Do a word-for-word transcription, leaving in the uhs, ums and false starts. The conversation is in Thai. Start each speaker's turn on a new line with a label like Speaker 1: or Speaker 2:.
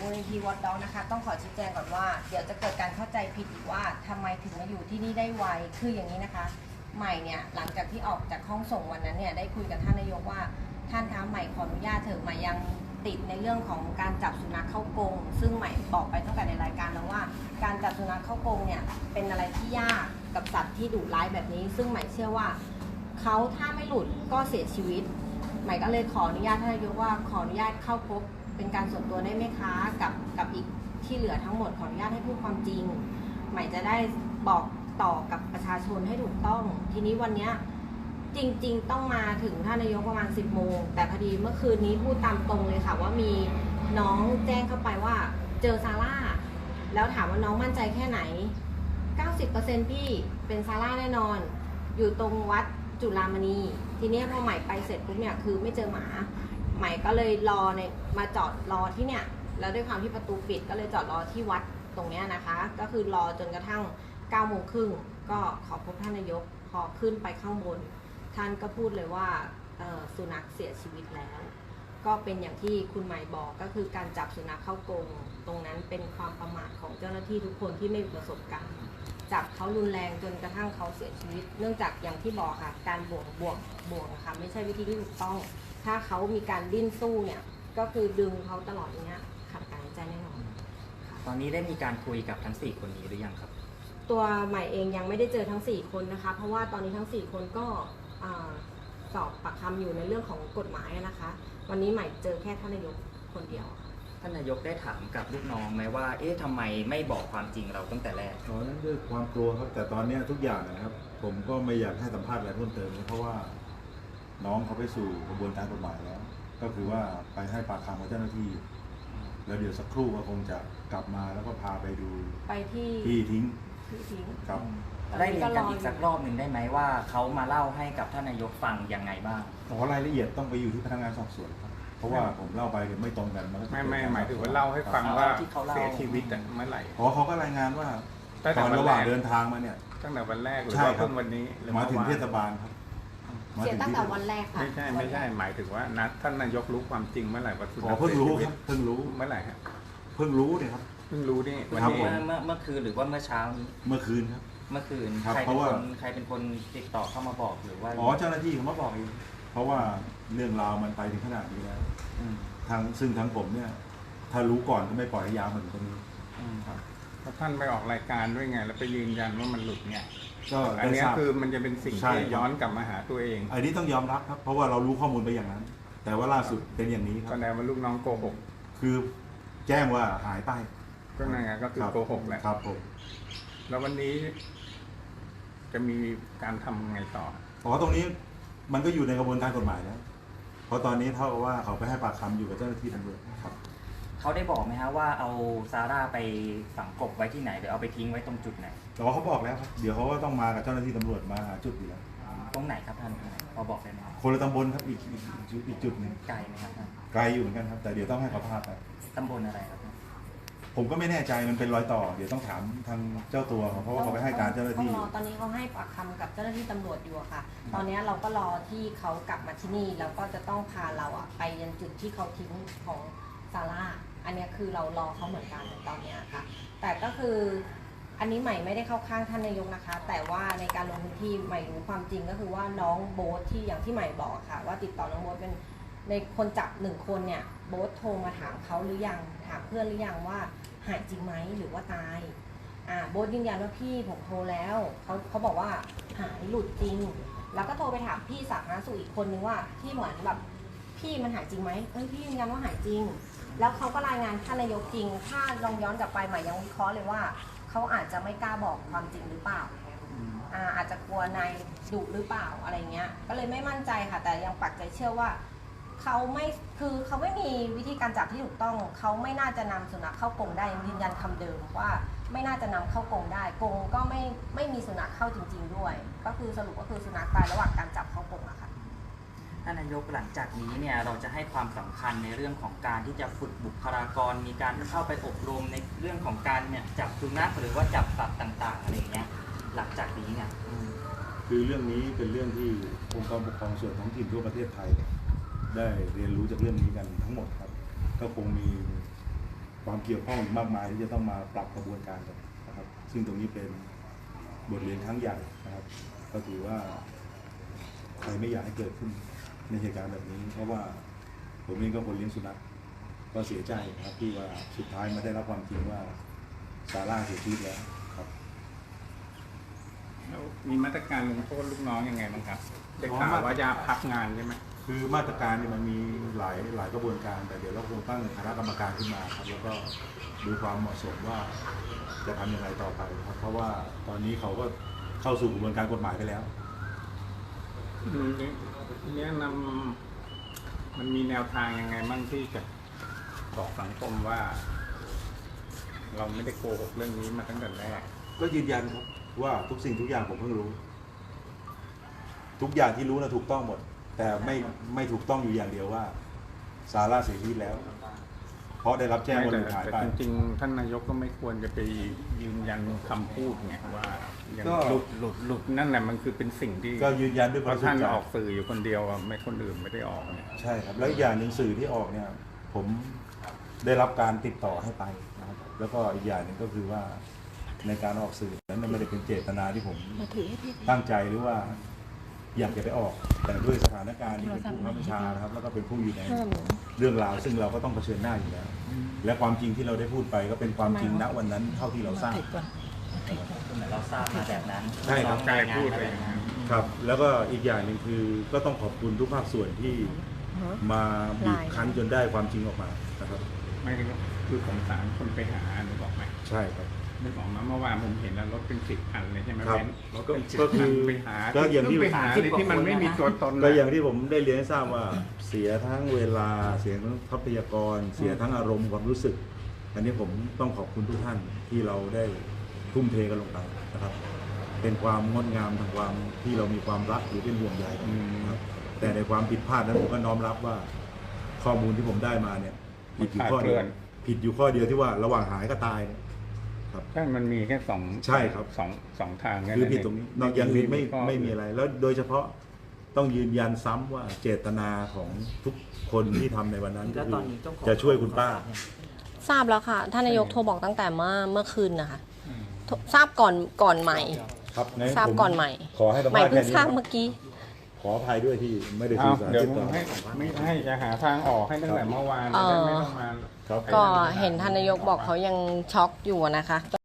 Speaker 1: มูลนิธิวอตด็อกนะคะต้องขอชี้แจงก่อนว่าเดี๋ยวจะเกิดการเข้าใจผิดอีกว่าทำไมถึงมาอยู่ที่นี่ได้ไวคืออย่างนี้นะคะใหม่เนี่ยหลังจากที่ออกจากห้องส่งวันนั้นเนี่ยได้คุยกับท่านนายกว่าท่านคะใหม่ขออนุญาตเถอะใหม่ยังติดในเรื่องของการจับสุนัขเข้ากรงซึ่งใหม่บอกไปตั้งแต่ในรายการแล้วว่าการจับสุนัขเข้ากรงเนี่ยเป็นอะไรที่ยากกับสัตว์ที่ดุร้ายแบบนี้ซึ่งใหม่เชื่อว่าเขาถ้าไม่หลุดก็เสียชีวิตใหม่ก็เลยขออนุญาตท่านนายกว่าขออนุญาตเข้าพบเป็นการส่วนตัวได้ไหมคะกับกับอีกที่เหลือทั้งหมดขออนุญาตให้พูดความจริงใหม่จะได้บอกต่อกับประชาชนให้ถูกต้องทีนี้วันนี้จริงๆต้องมาถึงท่านนายกประมาณสิบโมงแต่พอดีเมื่อคืนนี้พูดตามตรงเลยค่ะว่ามีน้องแจ้งเข้าไปว่าเจอซาร่าแล้วถามว่าน้องมั่นใจแค่ไหน เก้าสิบเปอร์เซ็นต์ พี่เป็นซาร่าแน่นอนอยู่ตรงวัดจุฬามณีทีนี้พอใหม่ไปเสร็จปุ๊บเนี่ยคือไม่เจอหมาใหม่ก็เลยรอในมาจอดรอที่เนี่ยแล้วด้วยความที่ประตูปิดก็เลยจอดรอที่วัดตรงเนี้ยนะคะก็คือรอจนกระทั่งเก้าโมงครึ่งก็ขอพบท่านนายกพอขึ้นไปข้างบนท่านก็พูดเลยว่าสุนัขเสียชีวิตแล้วก็เป็นอย่างที่คุณหมายบอกก็คือการจับสุนัขเข้ากรงตรงนั้นเป็นความประมาทของเจ้าหน้าที่ทุกคนที่ไม่มีประสบการณ์จับเขารุนแรงจนกระทั่งเขาเสียชีวิตเนื่องจากอย่างที่บอกค่ะการบ่วงบ่วงบ่วงค่ะไม่ใช่วิธีที่ถูกต้องถ้าเขามีการดิ้นสู้เนี่ยก็คือดึงเขาตลอดอย่างเงี้ยขาดการหายใจแน่นอน
Speaker 2: ตอนนี้ได้มีการคุยกับทั้งสี่คนนี้หรือยังครับ
Speaker 1: ตัวใหม่เองยังไม่ได้เจอทั้งสี่คนนะคะเพราะว่าตอนนี้ทั้งสี่คนก็สอบปากคำอยู่ในเรื่องของกฎหมายนะคะวันนี้ใหม่เจอแค่ท่านนายกคนเดียว
Speaker 2: ท่านนายกได้ถามกับลูกน้องไหมว่าเอ๊ะทำไมไม่บอกความจริงเราตั้งแต่แรก
Speaker 3: อ๋อนั่นด้วยความกลัวครับแต่ตอนนี้ทุกอย่างนะครับผมก็ไม่อยากให้สัมภาษณ์อะไรเพิ่มเติมเพราะว่าน้องเขาไปสู่กระบวนการกฎหมายแล้วก็คือว่าไปให้ปากคำกับเจ้าหน้าที่แล้วเดี๋ยวสักครู่ก็คงจะกลับมาแล้วก็พาไปดู
Speaker 1: ไปที่
Speaker 3: ที่ทิ้ง
Speaker 1: ที่ทิ้ง
Speaker 3: ครับ
Speaker 2: ได้เรียนกันอีกสักรอบหนึ่งได้ไหมว่าเขามาเล่าให้กับท่านนายกฟังยังไงบ้าง
Speaker 3: ขอรายละเอียดต้องไปอยู่ที่พนักงานสอบสวนครับเพราะว่าผมเล่าไปไม่ตรงกันมัน
Speaker 4: ไม่ไม่หมายถึงว่าเล่าให้ฟังว่าเสียชีวิตเมื่อไหร่
Speaker 3: อ๋อเขาก็รายงานว่าตอนระหว่างเดินทางมาเนี่ย
Speaker 4: ตั้งแต่วันแรกหรือว่าเพิ่งวันนี้
Speaker 3: มาถึงเทศบาลครับ
Speaker 1: เสียตั้งแต่วันแรกค่ะ
Speaker 4: ไม่ใช่ไม่ใช่หมายถึงว่านัดท่านนายกรู้ความจริงเมื่อไหร่ว่าสุนัข
Speaker 3: เพิ่งรู้ครับเพิ่งรู้
Speaker 4: เมื่อไหร่ครับ
Speaker 3: เพิ่งรู้เนี่ยครับ
Speaker 4: เพิ่งรู้นี่
Speaker 2: วันนี้เมื่อเมื่อคืนหรือว่าเมื่อเช้านี้
Speaker 3: เมื่อคืนครับ
Speaker 2: เมื่อคืนใครเป็นคนใครเป็นคนติดต่อเข้ามาบอกหรือว่า
Speaker 3: อ๋อเจ้าหน้าที่เขามาบอกเองเพราะว่าเรื่องราวมันไปถึงขนาดนี้แล้วทางซึ่งทางผมเนี่ยถ้ารู้ก่อนก็ไม่ปล่อยให้ยาวมาถึงตรงนี้
Speaker 4: ครับเพราะท่านไปออกรายการด้วยไงแล้วไปยืนยันว่ามันหลุดไง
Speaker 3: ก็
Speaker 4: อันนี้คือมันจะเป็นสิ่งที่ย้อนกลับมาหาตัวเอง
Speaker 3: อันนี้ต้องยอมรับครับเพราะว่าเรารู้ข้อมูลไปอย่างนั้นแต่ว่าล่าสุดเป็นอย่างนี้ครับ
Speaker 4: ก็แปลว่าลูกน้องโกหก
Speaker 3: คือแจ้งว่าหายไป
Speaker 4: ก็นั่นไงก็คือโกหกแหละ
Speaker 3: ครับผม
Speaker 4: แล้ววันนี้จะมีการทำไงต่อ
Speaker 3: อ๋อตรงนี้มันก็อยู่ในกระบวนการกฎหมายแล้วเพราะตอนนี้เท่ากับว่าเขาไปให้ปากคำอยู่กับเจ้าหน้าที่ตำรวจครับ
Speaker 2: เขาได้บอกไหมฮะว่าเอาซาร่าไปฝังกบไว้ที่ไหนหรือเอาไปทิ้งไว้ตรงจุดไหน
Speaker 3: แต่ว่าเขาบอกแล้วครับเดี๋ยวเขาก็ต้องมากับเจ้าหน้าที่ตำรวจมาหาจุดอยู่แล้ว
Speaker 2: ตรงไหนครับท่านพอบอกได้ไหม
Speaker 3: คนละตำบลครับอีกอีกอีกจุดหนึ่ง
Speaker 2: ไกลไหมครับท่าน
Speaker 3: ไกลอยู่เหมือนกันครับแต่เดี๋ยวต้องให้เขาพาไป
Speaker 2: ตำบลอะไรครับ
Speaker 3: ผมก็ไม่แน่ใจมันเป็นรอยต่อเดี๋ยวต้องถามทางเจ้าตัวเพราะว่าเขาไปให้การเจ้าหน้าที่
Speaker 1: ตอนนี้เขาให้ปากคำกับเจ้าหน้าที่ตำรวจอยู่ค่ะตอนนี้เราก็รอที่เขากลับมาที่นี่แล้วก็จะต้องพาเราอะไปยังจุดที่เขาทิ้งของซาร่าอันนี้คือเรารอเขาเหมือนกันตอนนี้ค่ะแต่ก็คืออันนี้ใหม่ไม่ได้เข้าข้างท่านนายกนะคะแต่ว่าในการลงพื้นที่ใหม่รู้ความจริงก็คือว่าน้องโบ๊ทที่อย่างที่ใหม่บอกค่ะว่าติดต่อน้องโบ๊ทเป็นในคนจับหนึ่งคนเนี่ยโบ๊ทโทรมาถามเขาหรือยังถามเพื่อนหรือยังว่าหายจริงไหมหรือว่าตายอ่าโบ๊ทยืนยันว่าพี่ผมโทรแล้วเขาเขาบอกว่าหายหลุดจริงแล้วก็โทรไปถามพี่สาธารณสุขอีกคนนึงว่าที่เหมือนแบบพี่มันหายจริงไหมเอ้ยพี่ยืนยันว่าหายจริงแล้วเขาก็รายงานท่านนายกจริงถ้าลองย้อนกลับไปใหม่ยังวิเคราะห์เลยว่าเขาอาจจะไม่กล้าบอกความจริงหรือเปล่าอ่าอาจจะกลัวนายดุหรือเปล่าอะไรเงี้ยก็เลยไม่มั่นใจค่ะแต่ยังปักใจเชื่อว่าเขาไม่คือเขาไม่มีวิธีการจับที่ถูกต้องเขาไม่น่าจะนำสุนัขเข้ากรงได้ยืนยันคำเดิมว่าไม่น่าจะนำเข้ากรงได้กรงก็ไม่ไม่มีสุนัขเข้าจริงๆด้วยก็คือสรุปก็คือสุนัขตายระหว่างการจับเข้ากรงอะค่ะ
Speaker 2: ท่านนายกหลังจากนี้เนี่ยเราจะให้ความสำคัญในเรื่องของการที่จะฝึกบุคลากรมีการเข้าไปอบรมในเรื่องของการเนี่ยจับสุนัขหรือว่าจับสัตว์ต่างๆอะไรอย่างเงี้ยหลังจากนี้เนี่ย
Speaker 3: คือเรื่องนี้เป็นเรื่องที่องค์กรปกครองส่วนท้องถิ่นทั่วประเทศไทยได้เรียนรู้จากเรื่องนี้กันทั้งหมดครับก็คงมีความเกี่ยวข้องอีกมากมายที่จะต้องมาปรับกระบวนการกันนะครับ ซึ่งตรงนี้เป็นบทเรียนครั้งใหญ่นะครับ ก็ถือว่าใครไม่อยากให้เกิดขึ้นในเหตุการณ์แบบนี้ เพราะว่าผมเองก็คนเลี้ยงสุนัขก็เสียใจนะครับที่ว่าสุดท้ายมาได้รับความจริงว่าซาร่าเสียชีวิตแล้วครับ
Speaker 4: แล้วมีมาตรการลงโทษลูกน้องยังไงบ้างครับได้ข่าวว่าจะพักงานใช่ไหม
Speaker 3: คือมาตรการเนี่ยมันมีหลายหลายกระบวนการแต่เดี๋ยวเราคงตั้งคณะกรรมการขึ้นมาครับแล้วก็ดูความเหมาะสมว่าจะทำยังไงต่อไปครับเพราะว่าตอนนี้เขาก็เข้าสู่กระบวนการกฎหมายไปแล้ว
Speaker 4: อืมเนี่ยนำมันมีแนวทางยังไงบ้างที่จะบอกสังคมว่า เราไม่ได้โกหกเรื่องนี้มาตั้งแต่แรก
Speaker 3: ก็ยืนยันครับว่าทุกสิ่งทุกอย่างผมเพิ่งรู้ ทุกอย่างที่รู้นะถูกต้องหมด แต่ไม่ไม่ถูกต้องอยู่อย่างเดียวว่าซาร่าเสียชีวิตแล้ว เพราะได้รับแจ้งว่า
Speaker 4: แต่
Speaker 3: หลุดหาย
Speaker 4: แต่
Speaker 3: ไป
Speaker 4: จริงๆท่านนายกก็ไม่ควรจะไปยืนยันคำพูดไงว่าอย่าง
Speaker 3: ก็
Speaker 4: หลุดหลุดหลุดนั่นแหละมันคือเป็นสิ่งที่
Speaker 3: ก็ยืนยันด้วย
Speaker 4: เพ
Speaker 3: ความ
Speaker 4: ราะ
Speaker 3: สุ
Speaker 4: ท่าน
Speaker 3: ขใจ
Speaker 4: ออกสื่ออยู่คนเดียวอะไม่คนอื่นไม่ได้ออกเนี่ย
Speaker 3: ใช่ครับแล้วอีกอย่างหนึ่งสื่อที่ออกเนี่ยผมได้รับการติดต่อให้ไปนะครับแล้วก็อีกอย่างหนึ่งก็คือว่าในการออกสื่อนั้นไม่ได้เป็นเจตนาที่ผมตั้งใจหรือว่าอยากจะไปออก แต่ด้วยสถานการณ์ที่เป็นผู้บังคับบัญชานะครับแล้วก็เป็นผู้อยู่ในเรื่องราวซึ่งเราก็ต้องเผชิญหน้าอยู่แล้ว และความจริงที่เราได้พูดไปก็เป็นความจริงณวันนั้นเท่าที่เราทราบ
Speaker 2: เหมือนเราทราบมาแบบนั้น
Speaker 3: ใช่ครับ
Speaker 4: กายพูดอะไรอย่างเงี้ย
Speaker 3: ครับแล้วก็อีกอย่างหนึ่งคือก็ต้องขอบคุณทุกภาคส่วนที่มาบีบคั้นจนได้ความจริงออกมานะครับ
Speaker 4: ไม่คือสงสารคนไปหาหนูบอกไหม
Speaker 3: ใช่ครับ
Speaker 4: นึกออกมาเมื่อวานผมเห็นแล้วรถเป็นสิบคันเลยใช่ไหม
Speaker 3: ครับ
Speaker 4: เบนซ์รถ
Speaker 3: ก็
Speaker 4: เป็นสิบ
Speaker 3: ก็
Speaker 4: คั
Speaker 3: คื
Speaker 4: น
Speaker 3: อ
Speaker 4: ไปหา
Speaker 3: ก็อย่างที่
Speaker 4: ไปหาที่ที่มันไม่มีตัวตน
Speaker 3: ก็
Speaker 4: นะ
Speaker 3: อย่างที่ผมได้เรียนให้ทราบว่าเสียทั้งเวลาเสียทั้งทรัพยากร เสียทั้งอารมณ์ความรู้สึก อันนี้ผมต้องขอบคุณทุกท่านที่เราได้ทุ่มเทกันลงไปนะครับ เป็นความงดงามทางความที่เรามีความรักหรือเป็นห่วงใยกันนะครับแต่ในความผิดพลาดนั้นผมก็น้อมรับว่าข้อมูลที่ผมได้มาเนี่ยผิดอยู่ข้อเดียวผิดอยู่ข้อเดียวที่ว่าระหว่างหายก็ตายเนี่ยครับ
Speaker 4: ใช่มันมีแค่สอง
Speaker 3: ใช่ครับ
Speaker 4: สองสองทางแ
Speaker 3: คือผิดตรงนี้นอกอย่างอื่นไม่
Speaker 4: ข้อ
Speaker 3: ไม่มีอะไร แล้วโดยเฉพาะต้องยืนยันซ้ำว่าเจตนาของทุกคนที่ทำในวันนั้นก็
Speaker 2: แล้ว
Speaker 3: คื
Speaker 2: ต
Speaker 3: อ
Speaker 2: อนนี้ต้องขอ
Speaker 3: จะช่วยคุณป้า
Speaker 1: ทราบแล้วค่ะท่านนายกโทรบอกตั้งแต่เมื่อเมื่อคืนนะคะโทรทราบก่อนก่อนใหม่
Speaker 3: ครับงั้น
Speaker 1: ทราบ
Speaker 3: ผม
Speaker 1: ก่อนใหม่
Speaker 3: ขอให้สัม
Speaker 1: ใหม่
Speaker 3: ภาษณ์
Speaker 1: เพิ่
Speaker 3: แค่
Speaker 1: ง
Speaker 3: นี้
Speaker 1: ทราบ
Speaker 3: ครับ
Speaker 1: เมื่อกี้
Speaker 3: ขออภัยด้วยที่ไม่ได้
Speaker 4: เอา
Speaker 3: สื่อสาร
Speaker 4: เดี๋ยว
Speaker 3: ติดต่อ
Speaker 4: ให้ไม่ให้จะหาทางออกให้ตั้งแต่เมื่อวาน
Speaker 1: เอ่อ
Speaker 4: จะได้ไม่ต้องมา
Speaker 3: ครับ
Speaker 1: ก็เห็นท่านนายกบอกเขายังช็อกอยู่นะคะ ก็